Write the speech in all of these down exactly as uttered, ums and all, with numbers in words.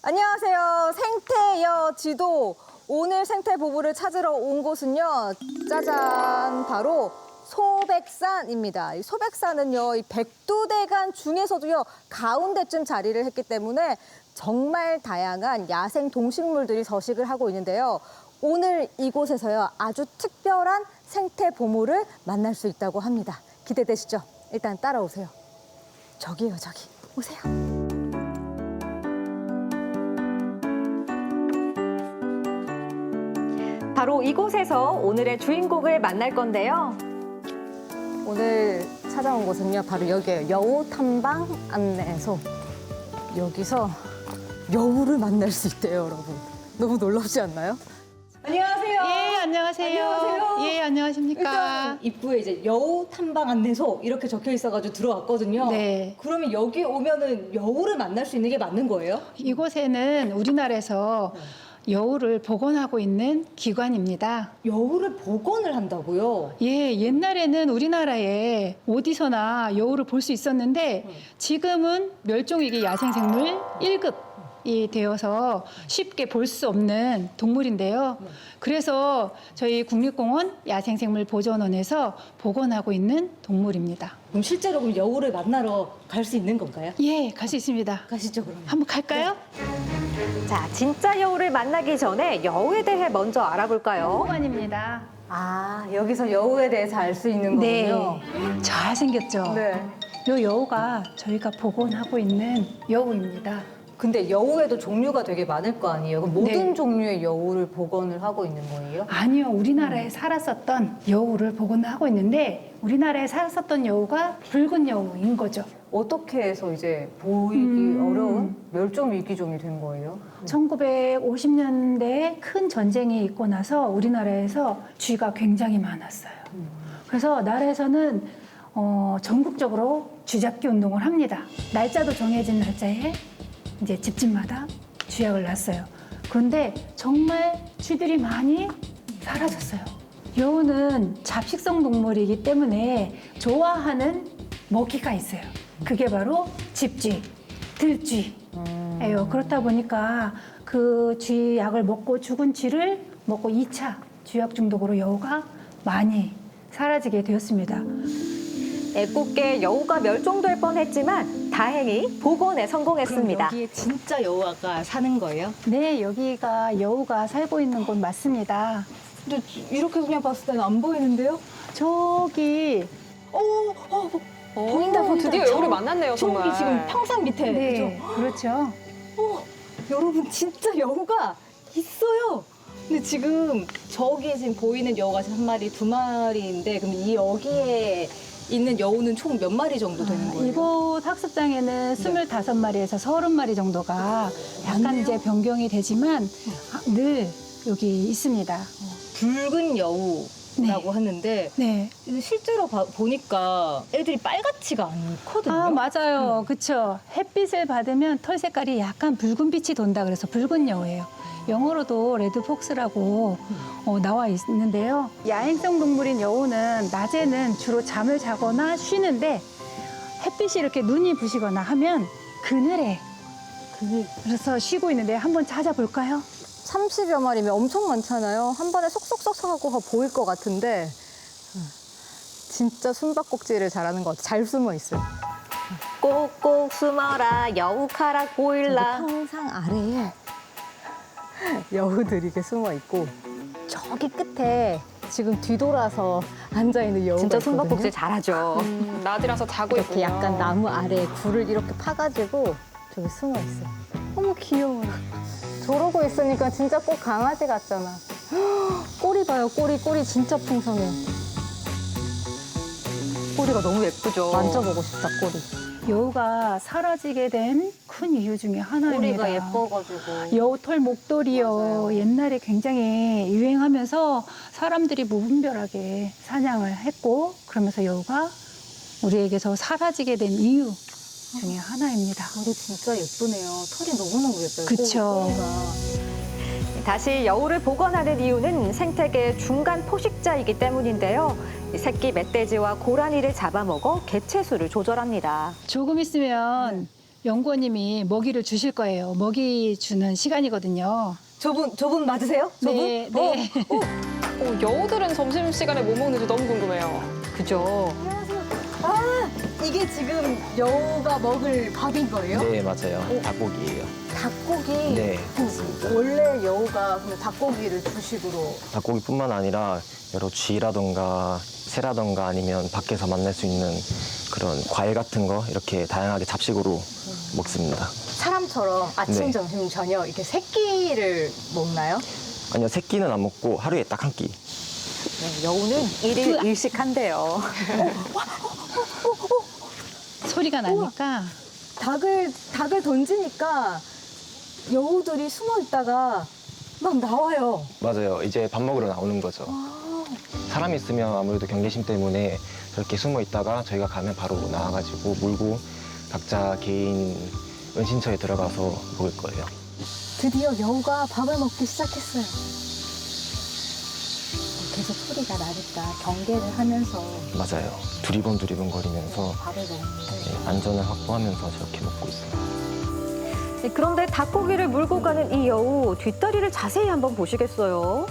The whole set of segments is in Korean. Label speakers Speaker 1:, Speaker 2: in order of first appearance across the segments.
Speaker 1: 안녕하세요. 생태여 지도. 오늘 생태 보부를 찾으러 온 곳은요. 짜잔, 바로 소백산입니다. 이 소백산은요, 이 백두대간 중에서도요, 가운데쯤 자리를 했기 때문에 정말 다양한 야생 동식물들이 서식을 하고 있는데요. 오늘 이곳에서요, 아주 특별한 생태 보물을 만날 수 있다고 합니다. 기대되시죠? 일단 따라오세요. 저기요, 저기. 오세요.
Speaker 2: 바로 이곳에서 오늘의 주인공을 만날 건데요.
Speaker 1: 오늘 찾아온 곳은요, 바로 여기예요. 여우 탐방 안내소. 여기서 여우를 만날 수 있대요, 여러분. 너무 놀랍지 않나요? 안녕하세요.
Speaker 3: 예, 안녕하세요.
Speaker 1: 안녕하세요.
Speaker 3: 예, 안녕하십니까.
Speaker 1: 일단 입구에 이제 여우 탐방 안내소 이렇게 적혀 있어가지고 들어왔거든요.
Speaker 3: 네.
Speaker 1: 그러면 여기 오면은 여우를 만날 수 있는 게 맞는 거예요?
Speaker 3: 이곳에는 우리나라에서 여우를 복원하고 있는 기관입니다.
Speaker 1: 여우를 복원을 한다고요?
Speaker 3: 예, 옛날에는 우리나라에 어디서나 여우를 볼 수 있었는데 지금은 멸종위기 야생생물 일 급이 되어서 쉽게 볼 수 없는 동물인데요. 그래서 저희 국립공원 야생생물보존원에서 복원하고 있는 동물입니다.
Speaker 1: 그럼 실제로 그럼 여우를 만나러 갈 수 있는 건가요?
Speaker 3: 예, 갈 수 있습니다.
Speaker 1: 가시죠, 그러면.
Speaker 3: 한번 갈까요?
Speaker 2: 자, 진짜 여우를 만나기 전에 여우에 대해 먼저 알아볼까요?
Speaker 3: 보관입니다.
Speaker 1: 아, 여기서 여우에 대해서 알 수 있는
Speaker 3: 네,
Speaker 1: 거군요.
Speaker 3: 잘생겼죠?
Speaker 1: 네.
Speaker 3: 요 여우가 저희가 복원하고 있는 여우입니다.
Speaker 1: 근데 여우에도 종류가 되게 많을 거 아니에요? 그럼 모든
Speaker 3: 네.
Speaker 1: 종류의 여우를 복원을 하고 있는 거예요?
Speaker 3: 아니요, 우리나라에 살았었던 여우를 복원하고 있는데 우리나라에 살았었던 여우가 붉은 여우인 거죠.
Speaker 1: 어떻게 해서 이제 보이기
Speaker 3: 음.
Speaker 1: 어려운 멸종 위기종이 된 거예요?
Speaker 3: 천구백오십 년대에 큰 전쟁이 있고 나서 우리나라에서 쥐가 굉장히 많았어요. 그래서 나라에서는 어, 전국적으로 쥐잡기 운동을 합니다. 날짜도 정해진 날짜에 이제 집집마다 쥐약을 놨어요. 그런데 정말 쥐들이 많이 사라졌어요. 여우는 잡식성 동물이기 때문에 좋아하는 먹이가 있어요. 그게 바로 집쥐, 들쥐예요. 그렇다 보니까 그 쥐약을 먹고 죽은 쥐를 먹고 이 차 쥐약 중독으로 여우가 많이 사라지게 되었습니다.
Speaker 2: 애꿎게 여우가 멸종될 뻔했지만 다행히 복원에 성공했습니다.
Speaker 1: 여기에 진짜 여우가 사는 거예요?
Speaker 3: 네, 여기가 여우가 살고 있는 곳 맞습니다.
Speaker 1: 근데 이렇게 그냥 봤을 때는 안 보이는데요?
Speaker 3: 저기
Speaker 1: 오, 어, 어, 보인다, 보인다.
Speaker 2: 드디어 여우를 만났네요,
Speaker 1: 저기
Speaker 2: 정말.
Speaker 1: 지금 평상 밑에,
Speaker 3: 네,
Speaker 1: 그죠?
Speaker 3: 그렇죠.
Speaker 1: 어, 여러분 진짜 여우가 있어요. 근데 지금 저기 지금 보이는 여우가 지금 한 마리, 두 마리인데 그럼 이 여기에 있는 여우는 총 몇 마리 정도 되는 거예요?
Speaker 3: 이곳 학습장에는 스물다섯 마리에서 서른 마리 정도가 약간 이제 변경이 되지만 아, 늘 여기 있습니다.
Speaker 1: 붉은 여우라고 하는데
Speaker 3: 네.
Speaker 1: 실제로 봐- 보니까 애들이 빨갛지가 않거든요.
Speaker 3: 아, 맞아요. 그렇죠. 햇빛을 받으면 털 색깔이 약간 붉은 빛이 돈다 그래서 붉은 여우예요. 영어로도 레드폭스라고 어, 나와 있는데요. 야행성 동물인 여우는 낮에는 주로 잠을 자거나 쉬는데 햇빛이 이렇게 눈이 부시거나 하면 그늘에 그래서 쉬고 있는데 한번 찾아볼까요?
Speaker 1: 삼십여 마리면 엄청 많잖아요. 한 번에 속속속 하고 보일 것 같은데 진짜 숨바꼭질을 잘하는 것 같아요. 잘 숨어 있어요.
Speaker 2: 꼭꼭 숨어라, 여우카락 보일라.
Speaker 1: 평상 아래에 여우들이 이렇게 숨어 있고 저기 끝에 지금 뒤돌아서 앉아 있는 여우가
Speaker 2: 진짜
Speaker 1: 있거든요.
Speaker 2: 숨바꼭질 잘하죠.
Speaker 4: 나들어서 자고
Speaker 1: 이렇게
Speaker 4: 있군요.
Speaker 1: 약간 나무 아래에 굴을 이렇게 파가지고 저기 숨어 있어요. 어머 귀여워요. 저러고 있으니까 진짜 꼭 강아지 같잖아. 꼬리 봐요, 꼬리, 꼬리 진짜 풍성해.
Speaker 2: 꼬리가 너무 예쁘죠.
Speaker 1: 만져보고 싶다, 꼬리.
Speaker 3: 여우가 사라지게 된 큰 이유 중에 하나입니다.
Speaker 1: 꼬리가 예뻐가지고.
Speaker 3: 여우털 목도리요.
Speaker 1: 맞아요.
Speaker 3: 옛날에 굉장히 유행하면서 사람들이 무분별하게 사냥을 했고 그러면서 여우가 우리에게서 사라지게 된 이유 중에 하나입니다.
Speaker 1: 털이 진짜 예쁘네요. 털이 너무너무 예뻐요.
Speaker 3: 그쵸.
Speaker 1: 꼬리가.
Speaker 2: 다시 여우를 복원하는 이유는 생태계 중간 포식자이기 때문인데요. 이 새끼 멧돼지와 고라니를 잡아먹어 개체수를 조절합니다.
Speaker 3: 조금 있으면 연구원님이 먹이를 주실 거예요. 먹이 주는 시간이거든요.
Speaker 1: 저분 저분 맞으세요? 저분?
Speaker 3: 네, 네.
Speaker 1: 어, 어.
Speaker 4: 어, 여우들은 점심시간에 뭐 먹는지 너무 궁금해요.
Speaker 2: 그죠?
Speaker 1: 아, 이게 지금 여우가 먹을 밥인 거예요?
Speaker 5: 네, 맞아요. 닭고기예요.
Speaker 1: 닭고기.
Speaker 5: 네,
Speaker 1: 그 원래 여우가 그럼 닭고기를 주식으로.
Speaker 5: 닭고기뿐만 아니라 여러 쥐라던가 새라던가 아니면 밖에서 만날 수 있는 그런 과일 같은 거 이렇게 다양하게 잡식으로 먹습니다.
Speaker 1: 사람처럼 아침,
Speaker 5: 네.
Speaker 1: 점심, 저녁 이렇게 세 끼를 먹나요?
Speaker 5: 아니요, 세 끼는 안 먹고 하루에 딱 한 끼.
Speaker 2: 네, 여우는 일일 일식한대요.
Speaker 3: 소리가 나니까
Speaker 1: 닭을 닭을 던지니까 여우들이 숨어 있다가 막 나와요.
Speaker 5: 맞아요. 이제 밥 먹으러 나오는 거죠. 사람이 있으면 아무래도 경계심 때문에 저렇게 숨어 있다가 저희가 가면 바로 나와가지고 물고 각자 개인 은신처에 들어가서 먹을 거예요.
Speaker 1: 드디어 여우가 밥을 먹기 시작했어요. 계속 소리가 나니까 경계를 하면서
Speaker 5: 맞아요. 두리번 두리번 거리면서
Speaker 1: 밥을 먹는데
Speaker 5: 네, 안전을 확보하면서 저렇게 먹고 있어요.
Speaker 2: 네, 그런데 닭고기를 물고 가는 이 여우 뒷다리를 자세히 한번 보시겠어요?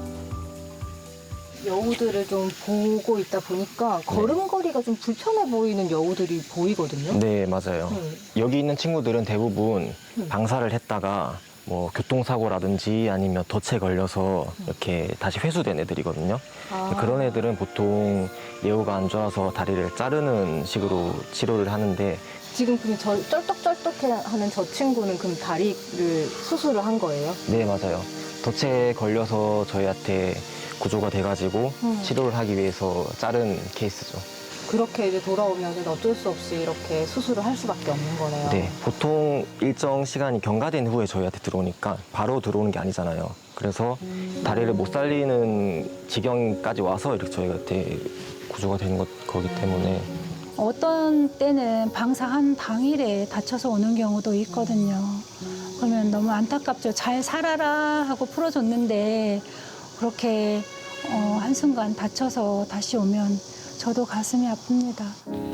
Speaker 1: 여우들을 좀 보고 있다 보니까 걸음걸이가 좀 불편해 보이는 여우들이 보이거든요.
Speaker 5: 네, 맞아요.
Speaker 1: 네.
Speaker 5: 여기 있는 친구들은 대부분
Speaker 1: 음.
Speaker 5: 방사를 했다가 뭐 교통사고라든지 아니면 덫에 걸려서 이렇게 다시 회수된 애들이거든요.
Speaker 1: 아.
Speaker 5: 그런 애들은 보통 예후가 안 좋아서 다리를 자르는 식으로 치료를 하는데
Speaker 1: 지금 그럼 저 쩔떡쩔떡하는 저 친구는 그럼 다리를 수술을 한 거예요?
Speaker 5: 네, 맞아요. 덫에 걸려서 저희한테 구조가 돼가지고
Speaker 1: 음.
Speaker 5: 치료를 하기 위해서 자른 케이스죠.
Speaker 1: 그렇게 이제 돌아오면 어쩔 수 없이 이렇게 수술을 할 수밖에 없는 거네요.
Speaker 5: 네, 보통 일정 시간이 경과된 후에 저희한테 들어오니까 바로 들어오는 게 아니잖아요. 그래서 다리를 못 살리는 지경까지 와서 이렇게 저희한테 구조가 되는 것, 거기 때문에
Speaker 3: 어떤 때는 방사한 당일에 다쳐서 오는 경우도 있거든요. 그러면 너무 안타깝죠. 잘 살아라 하고 풀어줬는데 그렇게 어, 한순간 다쳐서 다시 오면 저도 가슴이 아픕니다.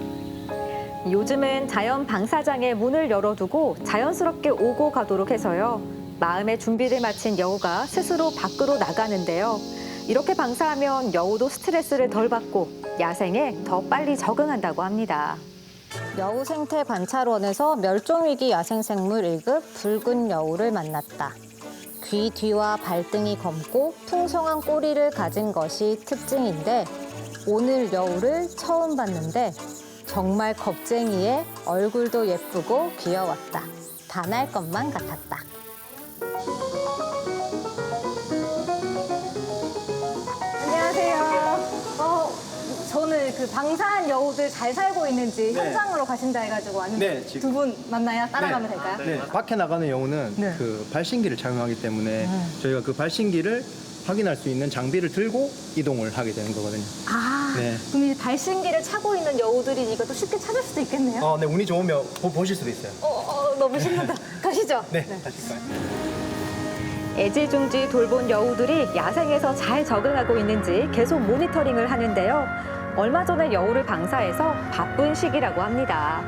Speaker 2: 요즘은 자연 방사장의 문을 열어두고 자연스럽게 오고 가도록 해서요. 마음의 준비를 마친 여우가 스스로 밖으로 나가는데요. 이렇게 방사하면 여우도 스트레스를 덜 받고 야생에 더 빨리 적응한다고 합니다.
Speaker 1: 여우 생태 관찰원에서 멸종위기 야생생물 일 급 붉은 여우를 만났다. 귀 뒤와 발등이 검고 풍성한 꼬리를 가진 것이 특징인데 오늘 여우를 처음 봤는데 정말 겁쟁이에 얼굴도 예쁘고 귀여웠다. 반할 것만 같았다. 안녕하세요. 어, 저는 그 방사한 여우들 잘 살고 있는지
Speaker 6: 네.
Speaker 1: 현장으로 가신다 해가지고 왔는데
Speaker 6: 네, 지금-
Speaker 1: 두 분 만나요? 따라가면
Speaker 6: 네.
Speaker 1: 될까요?
Speaker 6: 네, 밖에 나가는 여우는
Speaker 1: 네.
Speaker 6: 그 발신기를 착용하기 때문에 저희가 그 발신기를 확인할 수 있는 장비를 들고 이동을 하게 되는 거거든요.
Speaker 1: 아,
Speaker 6: 네.
Speaker 1: 그럼 이 발신기를 차고 있는 여우들이니까 또 쉽게 찾을 수도 있겠네요?
Speaker 6: 어, 네, 운이 좋으면 보, 보실 수도 있어요.
Speaker 1: 어, 어, 너무 신난다. 가시죠.
Speaker 6: 네, 가실까요?
Speaker 2: 애지중지 돌본 여우들이 야생에서 잘 적응하고 있는지 계속 모니터링을 하는데요. 얼마 전에 여우를 방사해서 바쁜 시기라고 합니다.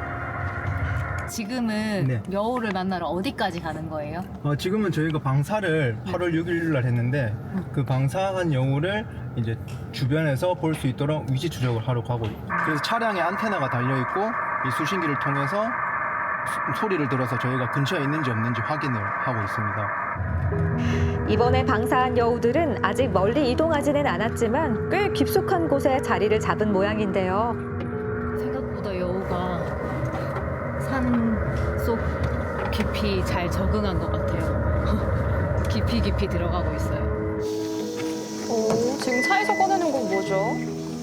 Speaker 1: 지금은
Speaker 6: 네.
Speaker 1: 여우를 만나러 어디까지 가는 거예요?
Speaker 6: 어, 지금은 저희가 방사를 팔월 육일 날 했는데 그 방사한 여우를 이제 주변에서 볼 수 있도록 위치 추적을 하러 가고 있고 그래서 차량에 안테나가 달려 있고 이 수신기를 통해서 수- 소리를 들어서 저희가 근처에 있는지 없는지 확인을 하고 있습니다.
Speaker 2: 이번에 방사한 여우들은 아직 멀리 이동하지는 않았지만 꽤 깊숙한 곳에 자리를 잡은 모양인데요.
Speaker 7: 생각보다 여우가 산 속 깊이 잘 적응한 것 같아요. 깊이 깊이 들어가고 있어요.
Speaker 4: 오, 지금 차에서 꺼내는 건 뭐죠?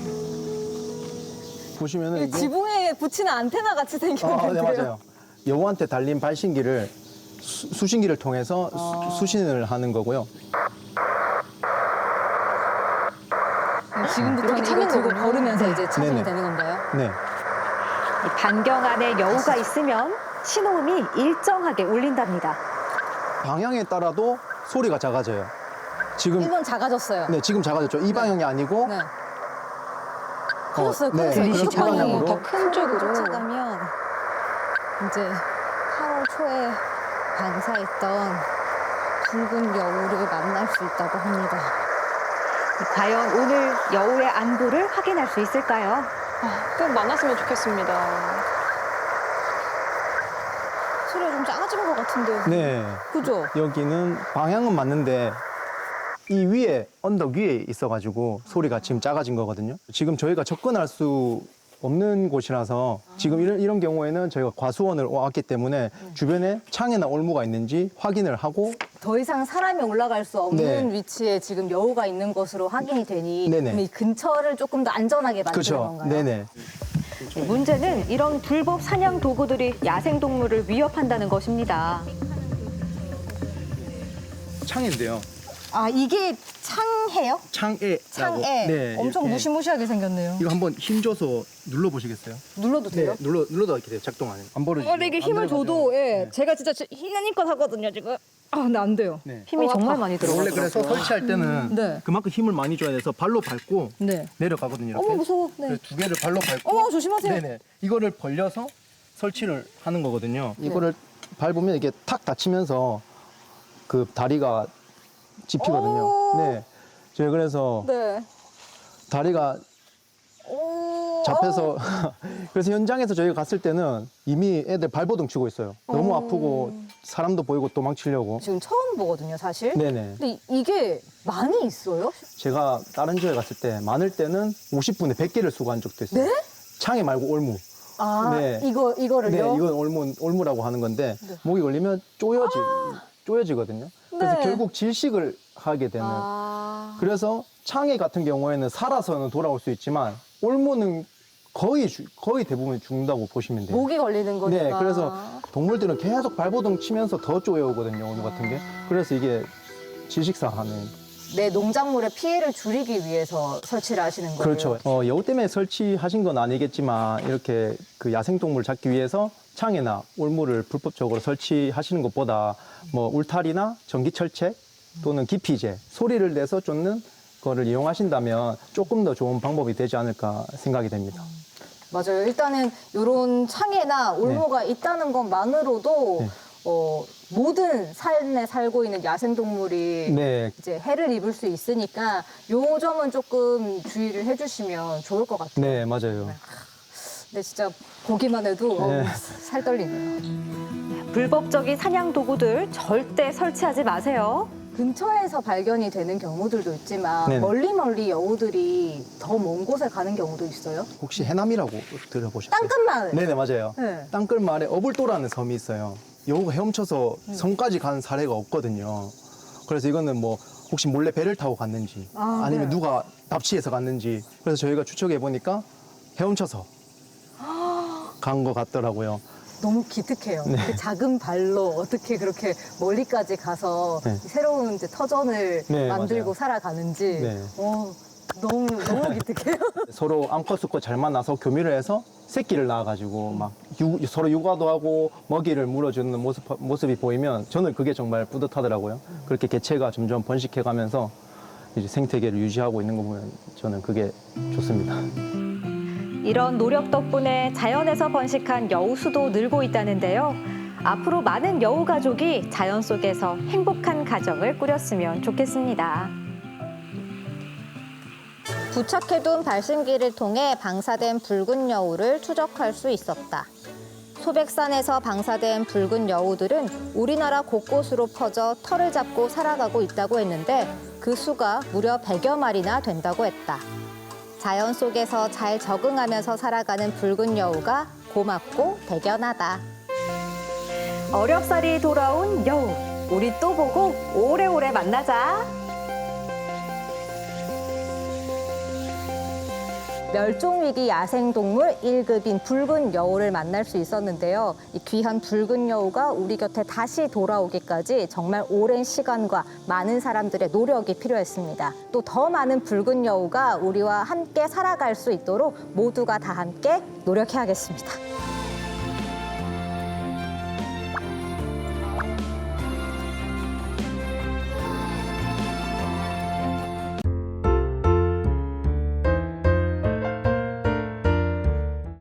Speaker 6: 보시면은 이게
Speaker 1: 지붕에 붙이는 안테나 같이 생겼는데요?
Speaker 6: 아, 네, 맞아요. 여우한테 달린 발신기를 수, 수신기를 통해서 수, 수신을 하는 거고요.
Speaker 1: 지금부터는
Speaker 4: 이렇게
Speaker 1: 이거
Speaker 4: 타는
Speaker 1: 들고
Speaker 4: 거군요.
Speaker 1: 걸으면서 이제 찾으면
Speaker 6: 네네.
Speaker 1: 되는 건가요?
Speaker 6: 네.
Speaker 2: 이 반경 안에 여우가 있으면 신호음이 일정하게 울린답니다.
Speaker 6: 방향에 따라도 소리가 작아져요. 지금
Speaker 1: 이건 작아졌어요.
Speaker 6: 네, 지금 작아졌죠. 이 방향이 아니고
Speaker 1: 네. 커졌어요,
Speaker 6: 네,
Speaker 1: 커졌어요.
Speaker 6: 그렇게
Speaker 1: 이쪽 방향으로.
Speaker 6: 방향으로.
Speaker 4: 더 큰 쪽으로.
Speaker 1: 쫓아가면 이제 팔월 초에 방사했던 붉은 여우를 만날 수 있다고 합니다.
Speaker 2: 과연 오늘 여우의 안부를 확인할 수 있을까요?
Speaker 4: 아, 꼭 만났으면 좋겠습니다.
Speaker 1: 소리가 좀 작아진 것 같은데요.
Speaker 6: 네.
Speaker 1: 그죠?
Speaker 6: 여기는 방향은 맞는데 이 위에 언덕 위에 있어가지고 소리가 지금 작아진 거거든요. 지금 저희가 접근할 수 없는 곳이라서 지금 이런, 이런 경우에는 저희가 과수원을 왔기 때문에 주변에 창이나 올무가 있는지 확인을 하고
Speaker 1: 더 이상 사람이 올라갈 수 없는
Speaker 6: 네.
Speaker 1: 위치에 지금 여우가 있는 것으로 확인이 되니
Speaker 6: 네네.
Speaker 1: 그럼 이 근처를 조금 더 안전하게 만드는
Speaker 6: 그렇죠.
Speaker 1: 건가요?
Speaker 6: 네네.
Speaker 2: 네, 문제는 이런 불법 사냥 도구들이 야생동물을 위협한다는 것입니다.
Speaker 6: 창인데요.
Speaker 1: 아 이게 창해요?
Speaker 6: 창에라고.
Speaker 1: 창에
Speaker 6: 네,
Speaker 1: 엄청
Speaker 6: 이렇게.
Speaker 1: 무시무시하게 생겼네요.
Speaker 6: 이거 한번 힘줘서 눌러보시겠어요?
Speaker 1: 눌러도 돼요?
Speaker 6: 네, 눌러 눌러도 이렇게 돼요. 작동 안 해요. 안 벌어지죠.
Speaker 1: 어, 근데 이게 힘을
Speaker 6: 안
Speaker 1: 줘도
Speaker 6: 들어가죠.
Speaker 1: 예,
Speaker 6: 네.
Speaker 1: 제가 진짜 힘내니까 하거든요 지금. 아 근데 안 돼요.
Speaker 6: 네.
Speaker 2: 힘이
Speaker 1: 어,
Speaker 2: 정말
Speaker 1: 아파.
Speaker 2: 많이
Speaker 6: 원래 그래서
Speaker 2: 들어가더라고요.
Speaker 6: 설치할 때는
Speaker 1: 네.
Speaker 6: 그만큼 힘을 많이 줘야 돼서 발로 밟고
Speaker 1: 네.
Speaker 6: 내려가거든요. 이렇게.
Speaker 1: 어머 무서워. 네.
Speaker 6: 그래서 두 개를 발로 밟고.
Speaker 1: 어머 조심하세요.
Speaker 6: 네네. 이거를 벌려서 설치를 하는 거거든요. 이거를 밟으면 이게 탁 닫히면서 그 다리가 집히거든요.
Speaker 1: 오.
Speaker 6: 네. 제가 그래서
Speaker 1: 네.
Speaker 6: 다리가
Speaker 1: 오.
Speaker 6: 잡혀서 그래서 현장에서 저희가 갔을 때는 이미 애들 발버둥 치고 있어요. 너무
Speaker 1: 오.
Speaker 6: 아프고 사람도 보이고 도망치려고.
Speaker 1: 지금 처음 보거든요 사실.
Speaker 6: 네네.
Speaker 1: 근데 이- 이게 많이 있어요?
Speaker 6: 제가 다른 지역에 갔을 때 많을 때는 오십 분에 백 개를 수거한 적도 있어요.
Speaker 1: 네?
Speaker 6: 창에 말고 올무.
Speaker 1: 아
Speaker 6: 네.
Speaker 1: 이거 이거를요?
Speaker 6: 네, 이건 올무, 올무라고 하는 건데
Speaker 1: 네.
Speaker 6: 목이 걸리면 쪼여지, 쪼여지거든요. 그래서
Speaker 1: 네.
Speaker 6: 결국 질식을 하게 되는.
Speaker 1: 아.
Speaker 6: 그래서 창에 같은 경우에는 살아서는 돌아올 수 있지만 올무는 거의 주- 거의 대부분 죽는다고 보시면 돼요.
Speaker 1: 목이 걸리는 거니까.
Speaker 6: 네, 그래서 동물들은 계속 발버둥 치면서 더 쪼여오거든요, 올무 같은 게. 그래서 이게 질식사하는.
Speaker 1: 내 농작물의 피해를 줄이기 위해서 설치를 하시는 거예요.
Speaker 6: 그렇죠. 어, 여우 때문에 설치하신 건 아니겠지만 이렇게 그 야생동물 잡기 위해서 창에나 올무를 불법적으로 설치하시는 것보다 뭐 울타리나 전기철책 또는 기피제, 소리를 내서 쫓는 거를 이용하신다면 조금 더 좋은 방법이 되지 않을까 생각이 됩니다.
Speaker 1: 맞아요. 일단은 이런 창에나 올무가 있다는 것만으로도
Speaker 6: 네.
Speaker 1: 어, 모든 산에 살고 있는 야생동물이
Speaker 6: 네,
Speaker 1: 이제 해를 입을 수 있으니까 요 점은 조금 주의를 해주시면 좋을 것 같아요.
Speaker 6: 네, 맞아요.
Speaker 1: 근데 진짜 보기만 해도
Speaker 6: 네.
Speaker 1: 어우, 살 떨리네요.
Speaker 2: 불법적인 사냥 도구들 절대 설치하지 마세요.
Speaker 1: 근처에서 발견이 되는 경우들도 있지만
Speaker 6: 네네.
Speaker 1: 멀리 멀리 여우들이 더 먼 곳에 가는 경우도 있어요.
Speaker 6: 혹시 해남이라고 들어보셨어요?
Speaker 1: 땅끝마을.
Speaker 6: 네네, 맞아요.
Speaker 1: 네.
Speaker 6: 땅끝 마을에 어불도라는 섬이 있어요. 여우가 헤엄쳐서 섬까지 간 사례가 없거든요. 그래서 이거는 뭐 혹시 몰래 배를 타고 갔는지
Speaker 1: 아,
Speaker 6: 아니면
Speaker 1: 네.
Speaker 6: 누가 납치해서 갔는지 그래서 저희가 추측해 보니까 헤엄쳐서 간 것 같더라고요.
Speaker 1: 너무 기특해요.
Speaker 6: 네.
Speaker 1: 그 작은 발로 어떻게 그렇게 멀리까지 가서
Speaker 6: 네.
Speaker 1: 새로운 이제 터전을
Speaker 6: 네,
Speaker 1: 만들고
Speaker 6: 맞아요.
Speaker 1: 살아가는지
Speaker 6: 네.
Speaker 1: 어, 너무 너무 기특해요.
Speaker 6: 서로 암컷 수컷 잘 만나서 교미를 해서 새끼를 낳아가지고 막 유- 서로 육아도 하고 먹이를 물어주는 모습, 모습이 보이면 저는 그게 정말 뿌듯하더라고요. 그렇게 개체가 점점 번식해가면서 이제 생태계를 유지하고 있는 거 보면 저는 그게 좋습니다.
Speaker 2: 이런 노력 덕분에 자연에서 번식한 여우 수도 늘고 있다는데요. 앞으로 많은 여우 가족이 자연 속에서 행복한 가정을 꾸렸으면 좋겠습니다.
Speaker 1: 부착해둔 발신기를 통해 방사된 붉은 여우를 추적할 수 있었다. 소백산에서 방사된 붉은 여우들은 우리나라 곳곳으로 퍼져 털을 잡고 살아가고 있다고 했는데 그 수가 무려 백여 마리나 된다고 했다. 자연 속에서 잘 적응하면서 살아가는 붉은 여우가 고맙고 대견하다.
Speaker 2: 어렵사리 돌아온 여우. 우리 또 보고 오래오래 만나자.
Speaker 1: 멸종위기 야생동물 일 급인 붉은 여우를 만날 수 있었는데요. 이 귀한 붉은 여우가 우리 곁에 다시 돌아오기까지 정말 오랜 시간과 많은 사람들의 노력이 필요했습니다. 또 더 많은 붉은 여우가 우리와 함께 살아갈 수 있도록 모두가 다 함께 노력해야겠습니다.